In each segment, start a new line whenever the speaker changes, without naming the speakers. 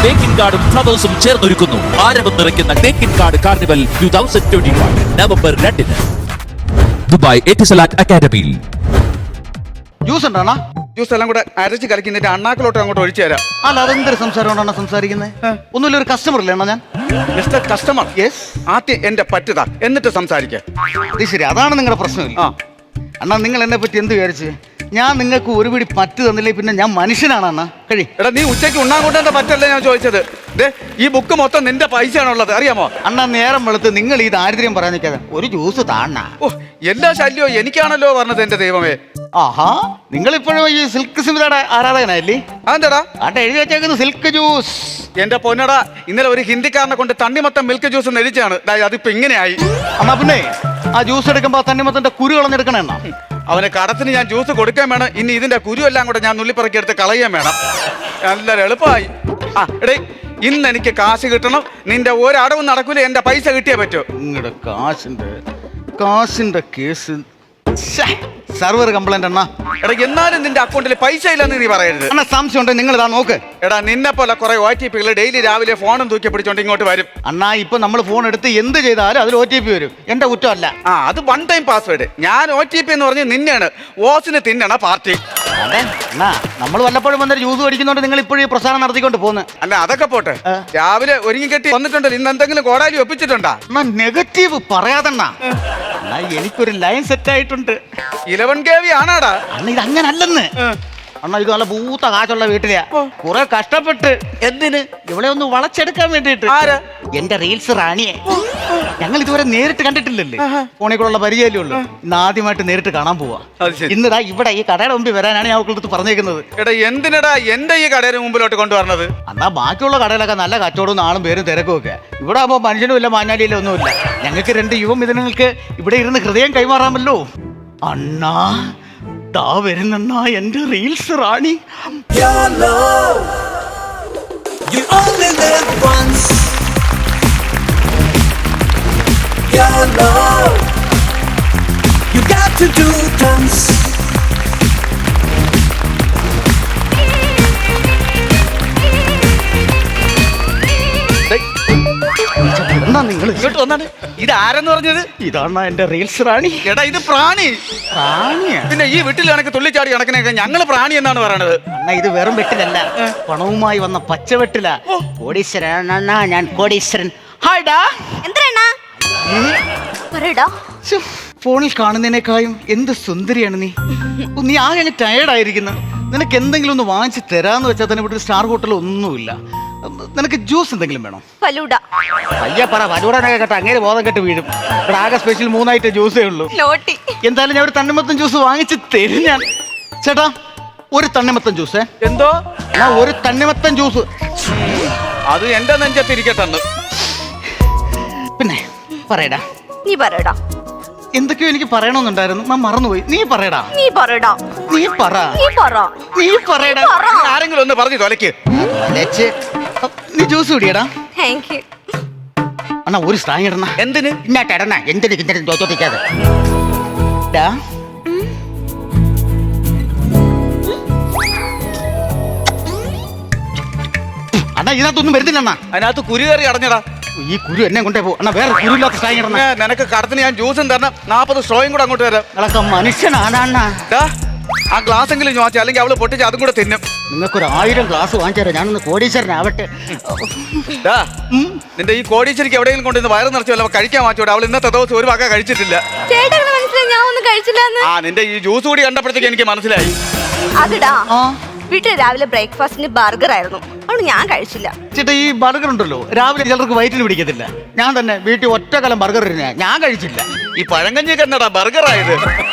തേക്കിൻ കാർഡും ഫ്ലവേഴ്സും ചേർന്നൊരുക്കുന്നു ആരവം നിറയ്ക്കുന്ന തേക്കിൻ കാർഡ് കാർണിവൽ 2021 നവംബർ 2 ദുബായ് എറ്റിസലാറ്റ് അക്കാദമിയിൽ.
ജ്യൂസ് ഉണ്ടോ?
ജ്യൂസ് എല്ലാം കൂടെ അരച്ച് കലക്കിന്നിട്ട് അണ്ണാക്കിലോട്ട് അങ്ങോട്ട് ഒഴിച്ചു തരാം.
അല്ല, അതെന്തൊരു സംസാരമാണ് സംസാരിക്കുന്നത്? ഒന്നുമില്ല, ഒരു കസ്റ്റമർ ഇല്ലേ ഞാൻ?
Mister customer,
yes.
ആദ്യം എന്റെ പറ്റുതാ എന്നിട്ട് സംസാരിക്കാം.
അത് ശരി, അതാണ് നിങ്ങളുടെ പ്രശ്നമില്ല. അണ്ണാ, നിങ്ങൾ എന്നെ പറ്റി എന്ത് വിചാരിച്ച്? ഞാൻ നിങ്ങൾക്ക് ഒരു പിടി പറ്റ് തന്നില്ലേ പിന്നെ ഞാൻ മനുഷ്യനാണ് അണ്ണാ. കഴി.
എടാ, നീ ഉച്ചയ്ക്ക് ഉണ്ണാൻ കൊണ്ടെന്താ പറ്റല്ലേ ഞാൻ ചോദിച്ചത്. ഈ ബുക്ക് മൊത്തം നിന്റെ പൈസയാണുള്ളത്, അറിയാമോ?
അണ്ണാ, നേരം വെളുത്ത് നിങ്ങൾ ഈ ദാരിദ്ര്യം പറയാൻ നിൽക്കാതെ ഒരു ജ്യൂസ് താണ്ണ.
ഓ, എല്ലാ ശല്യവും എനിക്കാണല്ലോ പറഞ്ഞത് എന്റെ ദൈവമേ.
ആഹാ, നിങ്ങളിപ്പോഴും ഈ സിൽക്ക് സ്മിതയുടെ ആരാധകനല്ലേ?
അതെന്താടാ
ആട്ടെ എഴുതി വെച്ചേക്കുന്നത് സിൽക്ക് ജ്യൂസ്.
എന്റെ പൊന്നടാ, ഇന്നലെ ഒരു ഹിന്ദിക്കാരനെ കൊണ്ട് തണ്ണിമത്തം മിൽക്ക് ജ്യൂസ് നെരിച്ചാണ്. അതിപ്പോ ഇങ്ങനെയായി.
അണ്ണാ, പിന്നെ ആ ജ്യൂസ് എടുക്കുമ്പോ തണ്ണിമത്തന്റെ കുരു കളഞ്ഞെടുക്കണേ അണ്ണാ.
അവന് കടത്തിന് ഞാൻ ജ്യൂസ് കൊടുക്കാൻ വേണം. ഇനി ഇതിന്റെ കുരു എല്ലാം കൂടെ ഞാൻ നുള്ളിപ്പറക്കി എടുത്ത് കളയാൻ വേണം. നല്ല എളുപ്പമായി. എടേ, ഇന്ന് എനിക്ക് കാശ് കിട്ടണം. നിന്റെ ഒരടവും നടക്കൂല, എന്റെ പൈസ കിട്ടിയേ പറ്റൂ.
നിങ്ങളുടെ കാശിന്റെ കേസ് സർവർ കംപ്ലൈന്റ് അണ്ണാ.
എടാ, എന്നാലും നിന്റെ അക്കൗണ്ടിൽ പൈസ ഇല്ലെന്ന് നീ പറയരുത്.
അണ്ണാ, സംശയം ഉണ്ടെങ്കിൽ നിങ്ങൾ ഇതാ നോക്ക്.
എടാ, നിന്നെ പോലെ കുറെ OTP ഡെയിലി രാവിലെ ഫോണും തൂക്കി പിടിച്ചോണ്ട് ഇങ്ങോട്ട് വരും.
അണ്ണാ, ഇപ്പൊ നമ്മൾ ഫോൺ എടുത്ത് എന്ത് ചെയ്താലും അതിൽ OTP വരും. എന്റെ കുറ്റമല്ല.
അത് വൺ ടൈം പാസ്വേഡ്. ഞാൻ OTP എന്ന് പറഞ്ഞ് നിന്നെയാണ് ഓസിന് തിന്നണ പാർട്ടി.
അതെ അണ്ണാ, നമ്മൾ വല്ലപ്പോഴും വന്നൊരു ജ്യൂസ് പഠിക്കുന്നോണ്ട് നിങ്ങൾ ഇപ്പോഴും ഈ പ്രസാദം നടത്തിക്കൊണ്ട് പോകുന്നു.
അല്ല, അതൊക്കെ പോട്ടെ. രാവിലെ ഒരുങ്ങി കെട്ടി വന്നിട്ടുണ്ടല്ലോ. ഇന്ന് എന്തെങ്കിലും കോടാലി ഒപ്പിച്ചിട്ടുണ്ടാ?
അണ്ണാ, നെഗറ്റീവ് പറയാതണ്ണാ. അണ്ണാ, എനിക്കൊരു ലൈൻ സെറ്റ് ആയിട്ടുണ്ട്.
11 kV ആണാടാ.
അണ്ണാ, ഇത് അങ്ങനല്ലെന്ന്. അണ്ണാ, ഇത് നല്ല പൂത്ത കാശുള്ള വീട്ടിലെയാ. കുറെ കഷ്ടപ്പെട്ട് എന്തിന് ഇവിടെ ഒന്ന് വളച്ചെടുക്കാൻ വേണ്ടിട്ട്. എന്റെ റീൽസ് റാണിയെ ഞങ്ങൾ ഇതുവരെ നേരിട്ട് കണ്ടിട്ടില്ലല്ലേ, ഫോണിൽ കൂടെ പരിചയമല്ലേ ഉള്ളൂ. ഇന്ന് ആദ്യമായിട്ട് നേരിട്ട് കാണാൻ പോവാ. ഇന്നിതാ ഇവിടെ ഈ കടയുടെ മുമ്പിൽ വരാനാണ് ഞാൻ അവൾക്ക് പറഞ്ഞേക്കുന്നത്.
എടാ, എന്തിനടാ എന്റെ ഈ കടയുടെ മുമ്പിലോട്ട് കൊണ്ടുവരണത്?
അന്നാ ബാക്കിയുള്ള കടയിലൊക്കെ നല്ല കച്ചവടവും ആളും പേരും തിരക്കും ഒക്കെ. ഇവിടെ ആകുമ്പോ മനുഷ്യനും ഇല്ല, മാഞ്ഞാലിയില്ല, ഒന്നുമില്ല. ഞങ്ങൾക്ക് 2 യുവമിഥുനങ്ങൾക്ക് ഇവിടെ ഇരുന്ന് ഹൃദയം കൈമാറാമല്ലോ. അണ്ണാ, ദാ വരുന്നണ്ണാ എന്റെ റീൽസ് റാണി.
You only live once. Your love, you got to do dance.
എന്നാ നിങ്ങൾ
ഇങ്ങോട്ട് വന്നാണ്. ഇത് ആരെന്ന് പറഞ്ഞത്?
ഇതാണ് എന്റെ റീൽസ് റാണി.
എടാ, ഇത് പ്രാണി.
പ്രാണിയാ?
പിന്നെ ഈ വീട്ടിൽ കണക്ക് തുള്ളിച്ചാടി കണക്കിനൊക്കെ ഞങ്ങള് പ്രാണി എന്നാണ് പറയണത്.
അണ്ണാ, ഇത് വെറും വെട്ടിലല്ല, പണവുമായി വന്ന പച്ചവെട്ടില. കോടീശ്വരൻ അണ്ണാ, ഞാൻ കോടീശ്വരൻ. ഹായ്ഡാ.
എന്തരാ
ഫോണിൽ കാണുന്നതിനേക്കാളും എന്ത് സുന്ദരിയാണ് നീ. നീ ആകെ അങ്ങ് ടയേർഡായിരിക്കുന്നു. നിനക്ക് എന്തെങ്കിലും ഒന്ന് വാങ്ങിച്ച് തരാന്ന് വെച്ചാൽ തന്നെ ഇവിടെ സ്റ്റാർ ഹോട്ടൽ ഒന്നുമില്ല. നിനക്ക് ജ്യൂസ് എന്തെങ്കിലും വേണം?
ഫലൂഡ.
അയ്യ പറ, ഫലൂഡനൊക്കെ കേട്ടോ അങ്ങനെ ബോധം കെട്ട് വീഴും. ഇവിടെ ആകെ സ്പെഷ്യൽ 3 ഐറ്റം ജ്യൂസേ ഉള്ളൂ. എന്തായാലും ഞാൻ ഒരു തണ്ണിമത്തൻ ജ്യൂസ് വാങ്ങിച്ച് തരും ഞാൻ. ചേട്ടാ, ഒരു തണ്ണിമത്തൻ ജ്യൂസ്.
എന്തോ?
ഒരു തണ്ണിമത്തൻ ജ്യൂസ്.
അത് എന്റെ നെഞ്ചത്തിരിക്കട്ടെന്ന്.
പിന്നെ പറയടാ.
നീ പറയടാ.
എന്തൊക്കെയോ എനിക്ക് പറയണമെന്നുണ്ടായിരുന്നു, ഞാൻ മറന്നുപോയി. നീ പറയടാ.
നീ പറയടാ.
നീ പറ. നീ പറയടാ.
ആരെങ്കിലും ഒന്ന് പറഞ്ഞു തൊലക്ക്.
നീ ജ്യൂസ് കുടിയടാ.
Thank you.
അണ്ണാ, ഒരു സ്ട്രാങ് ഇടണ.
എന്തിന്?
ഇന്നാട്ട് ഇടണ. എന്തിന് തോറ്റിക്കാതെ. അണ്ണാ, ഇതിനകത്തൊന്നും വരുന്നില്ല അണ്ണാ.
അതിനകത്ത് കുരു കയറി അടഞ്ഞടാ.
ഈ കുരു എന്നെ കൊണ്ടേ പോകും. അണ്ണാ, വേറെ കുരുല്ലാത്ത സ്ട്രാങ് ഇടണ.
നിനക്ക് കടത്തിന് ഞാൻ ജ്യൂസും തരണം, 40 സ്ട്രോയും കൂടെ അങ്ങോട്ട് തരാം.
നിങ്ങളൊക്കെ മനുഷ്യനാണ് അണ്ണാ.
ആ ഗ്ലാസ് എങ്കിലും ചോദിച്ചാൽ, അല്ലെങ്കിൽ അവള് പൊട്ടിച്ച് അതും കൂടെ തിന്നും.
നിങ്ങൾക്കൊരു 1000 ഗ്ലാസ് വാങ്ങിച്ചു തരാം. ഞാനൊന്ന് കോടീശ്വരനാവട്ടെ.
നിന്റെ ഈ കോടീശ്വരിക്ക് എവിടെയെങ്കിലും കൊണ്ടുവന്ന് വയറ് നിറച്ചല്ലോ കഴിക്കാൻ വാങ്ങിച്ചോടെ. അവൾ ഇന്നത്തെ ദിവസം ഒരു വക കഴിച്ചിട്ടില്ല. നിന്റെ ഈ ജ്യൂസ് കൂടി കണ്ടപ്പോഴത്തേക്ക് എനിക്ക് മനസ്സിലായി.
അതിടാ, വീട്ടിൽ രാവിലെ ബ്രേക്ക്ഫാസ്റ്റിന് ബർഗർ ആയിരുന്നു, അതുകൊണ്ട് ഞാൻ കഴിച്ചില്ല.
ചേട്ടാ, ഈ ബർഗർ ഉണ്ടല്ലോ, രാവിലെ ചിലർക്ക് വയറ്റിന് പിടിക്കത്തില്ല. ഞാൻ തന്നെ വീട്ടിൽ ഒറ്റക്കലം ബർഗർ ഞാൻ കഴിച്ചില്ല.
ഈ പഴങ്കഞ്ഞിക്ക് എന്നടാ ബർഗർ ആയത്?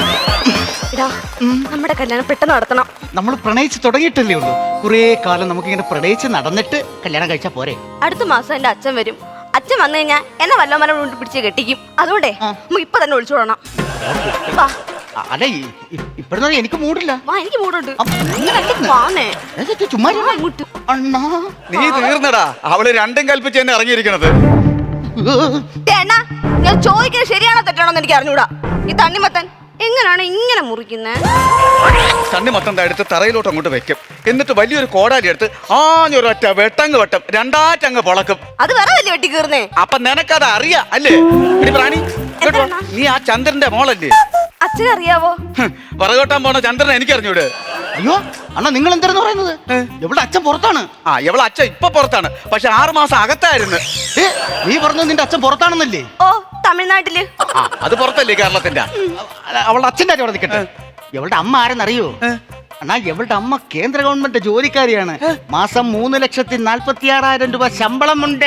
നമ്മുടെ കല്യാണം പെട്ടെന്ന് നടത്തണം.
നമ്മൾ പ്രണയിച്ച് തുടങ്ങിയിട്ടല്ലേ ഉള്ളൂ. കുറേ കാലം നമുക്കിങ്ങനെ പ്രണയിച്ച് നടന്നിട്ട് കല്യാണം കഴിച്ചാ പോരെ?
അടുത്ത മാസം എന്റെ അച്ഛൻ വരും. അച്ഛൻ വന്നു കഴിഞ്ഞാൽ എന്നെ വല്ലവന്മാരെ കൊണ്ട് പിടിച്ച് കെട്ടിക്കും. അതുകൊണ്ടേ നമുക്ക് ഇപ്പൊ തന്നെ ഒളിച്ചോടണം.
അല്ല, ഇപ്പഴൊന്നും എനിക്ക് മൂടില്ല.
എനിക്ക് മൂടുണ്ട്.
ചുമ്മാ
നീ തീർന്നടാ. അവള് രണ്ടും കൽപ്പിച്ച് തന്നെ ഇറങ്ങിയിരിക്കണത്.
ഞാൻ ചോദിക്കുന്നത് ശരിയാണോ തെറ്റാണോ എന്ന് എനിക്ക് അറിഞ്ഞൂടാ. ഈ തണ്ണിമത്തൻ എങ്ങനെയാണ് ഇങ്ങനെ മുറിക്കുന്നത്?
കണ്ണി മൊത്തം എടുത്ത് തറയിലോട്ട് അങ്ങോട്ട് വെക്കും. എന്നിട്ട് വലിയൊരു കോടാലി എടുത്ത് ആഞ്ഞൊരൊറ്റ വെട്ടങ്ങ് വെട്ടം രണ്ടാറ്റങ്ങ് പൊളക്കും.
അത് വേറെ വലിയ വെട്ടി കീറുന്നേ.
അപ്പൊ നിനക്കത് അറിയാം അല്ലേ? എടി പ്രാണി, ഇങ്ങോട്ട് വാ. നീ ആ ചന്ദ്രന്റെ മോളല്ലേ?
അച്ഛനറിയാവോ?
പറകോട്ടാൻ പോണ ചന്ദ്രൻ എനിക്കറിഞ്ഞൂടെ?
അയ്യോ അണ്ണ, നിങ്ങൾ എന്തായിരുന്നു പറയുന്നത്? എവിടെ അച്ഛൻ പുറത്താണ്.
ആ എവളെ അച്ഛൻ ഇപ്പൊ പുറത്താണ്, പക്ഷെ 6 മാസം അകത്തായിരുന്നു.
ഏ, നീ പറഞ്ഞത് നിന്റെ അച്ഛൻ പുറത്താണെന്നല്ലേ?
ഓ, തമിഴ്നാട്ടില്.
ആ അത് പുറത്തല്ലേ കേരളത്തിന്റെ?
അവളുടെ അച്ഛൻ്റെ കാര്യം അവിടെ നിൽക്കട്ടെ. എവളുടെ അമ്മ ആരെന്നറിയോ? അണ്ണാ, എവളുടെ അമ്മ കേന്ദ്ര ഗവൺമെന്റ് ജോലിക്കാരിയാണ്. മാസം 3,46,000 രൂപ ശമ്പളമുണ്ട്.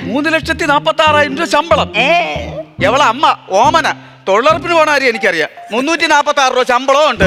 3,46,000 രൂപ ശമ്പളം. എവളെ അമ്മ ഓമന തൊഴിലുറപ്പിന് പോണ കാര്യം എനിക്കറിയാം. 346 രൂപ ശമ്പളവും ഉണ്ട്.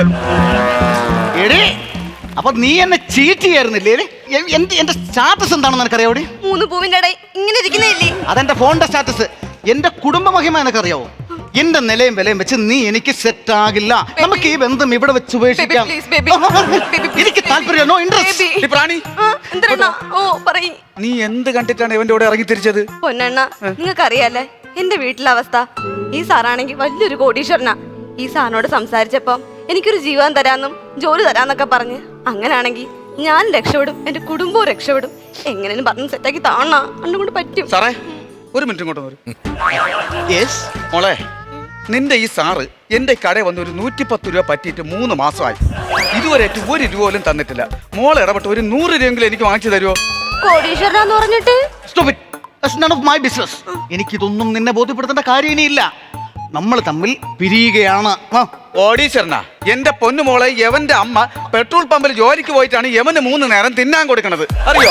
എടേ, അപ്പൊ നീ എന്നെ ചീറ്റ് ചെയ്യായിരുന്നില്ലേ? എന്റെ സ്റ്റാറ്റസ് എന്താണെന്ന് നിനക്കറിയാവോ?
3 പൂവിന്റെ ഇടയിൽ ഇങ്ങനെ ഇരിക്കുന്നില്ലേ?
അതെന്റെ ഫോണിന്റെ സ്റ്റാറ്റസ്. എന്റെ കുടുംബ മഹിമ നിനക്കറിയാവോ? എന്റെ നിലയും വിലയും വെച്ച് നീ എനിക്ക് സെറ്റ് ആകില്ല. നമുക്ക് ഈ ബന്ധം ഇവിടെ വെച്ച് ഉപേക്ഷിക്കാം. എനിക്ക് താല്പര്യം, നോ ഇൻട്രസ്റ്റ്.
ഈ പ്രാണി,
എന്തരണ്ണ? ഓ, പറയ്.
നീ എന്ത് കണ്ടിട്ടാണ് ഇവന്റെ കൂടെ ഇറങ്ങി തിരിച്ചത്?
പൊന്നണ്ണ, നിങ്ങൾക്കറിയാലേ എന്റെ വീട്ടിലെ അവസ്ഥ. ഈ സാറാണെങ്കിൽ വലിയൊരു കോടീശ്വരനാ. ഈ സാറിനോട് സംസാരിച്ചപ്പം എനിക്കൊരു ജീവൻ തരാന്നും ജോലി തരാന്നൊക്കെ പറഞ്ഞ്, അങ്ങനാണെങ്കിൽ ഞാൻ രക്ഷപ്പെടും, എന്റെ കുടുംബവും രക്ഷപ്പെടും. എങ്ങനെയും പറഞ്ഞ് സെറ്റാക്കി താണ അണ്ണ കൊണ്ട് പറ്റും.
സാറേ, ഒരു മിനിറ്റ് ഇങ്ങോട്ട് വരും.
യെസ്
മോളെ, നിന്റെ ഈ സാറ് എന്റെ കടയിൽ വന്ന് ഒരു 110 രൂപ പറ്റിയിട്ട് 3 മാസമായി. ഇതുവരെ 1 രൂപ പോലും തന്നിട്ടില്ല. മോളെ ഇടപെട്ട് ഒരു 100 രൂപയെങ്കിലും എനിക്ക് വാങ്ങിച്ചു തരുമോ?
കോടീശ്വരനാന്ന് പറഞ്ഞിട്ട്
stop it. That's none of my business. എനിക്കിതൊന്നും നിന്നെ ബോധ്യപ്പെടുത്തേണ്ട കാര്യം ഇനിയില്ല. നമ്മൾ തമ്മിൽ പിരിയുകയാണ്.
ഓടീശ്വരനാ, എന്റെ പൊന്നു മോളെ, യവന്റെ അമ്മ പെട്രോൾ പമ്പിൽ ജോലിക്ക് പോയിട്ടാണ് യവന് 3 നേരം തിന്നാൻ കൊടുക്കണത്, അറിയോ?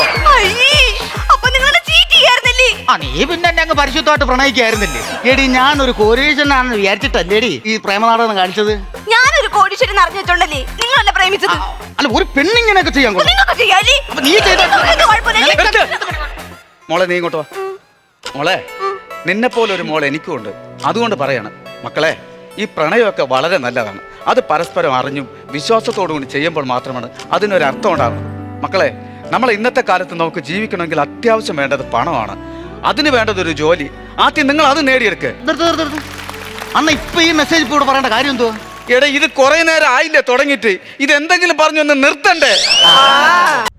അപ്പൊ നിങ്ങളെ ചീറ്റ് ചെയ്യായിരുന്നല്ലേ?
നീ പിന്നെ എന്നെ അങ്ങ് പരിശുദ്ധമായിട്ട് പ്രണയിക്കായിരുന്നില്ലേ? എടി, ഞാനൊരു കോടീശ്വരനാണെന്ന് വിചാരിച്ചിട്ടല്ലേടി ഈ പ്രേമനാടകം കാണിച്ചത്?
ഞാനൊരു കോടീശ്വരൻ അറിഞ്ഞു വെച്ചോണ്ടല്ലേ നിങ്ങളല്ലേ പ്രേമിച്ചത്?
അല്ല, ഒരു പെണ്ണിങ്ങനെയൊക്കെ ചെയ്യാൻ കൊള്ളാം.
നിങ്ങൾക്ക് ചെയ്യാല്ലേ?
അപ്പൊ നീ ചെയ്ത-
നിങ്ങൾക്ക് കുഴപ്പമില്ല.
മോളെ നീ ഇങ്ങോട്ട് വാ. മോളെ, നിന്നെ പോലെ ഒരു മോളെ എനിക്കും ഉണ്ട്. അതുകൊണ്ട് പറയാണ് മക്കളെ, ഈ പ്രണയമൊക്കെ വളരെ നല്ലതാണ്. അത് പരസ്പരം അറിഞ്ഞും വിശ്വാസത്തോടു കൂടി ചെയ്യുമ്പോൾ മാത്രമാണ് അതിനൊരു അർത്ഥം ഉണ്ടാകുന്നത്. മക്കളെ, നമ്മൾ ഇന്നത്തെ കാലത്ത് നമുക്ക് ജീവിക്കണമെങ്കിൽ അത്യാവശ്യം വേണ്ടത് പണമാണ്. അതിന് വേണ്ടത് ഒരു ജോലി. ആദ്യം നിങ്ങൾ അത് നേടിയെടുക്ക്.
അണ്ണ, ഇപ്പൊ ഈ മെസ്സേജ് ഇപ്പൊ ഇവിടെ പറയേണ്ട കാര്യം എന്തുവാ?
എടാ, ഇത് കുറെ നേരം ആയില്ലേ തുടങ്ങിയിട്ട്? ഇത് എന്തെങ്കിലും പറഞ്ഞൊന്ന് നിർത്തണ്ടേ?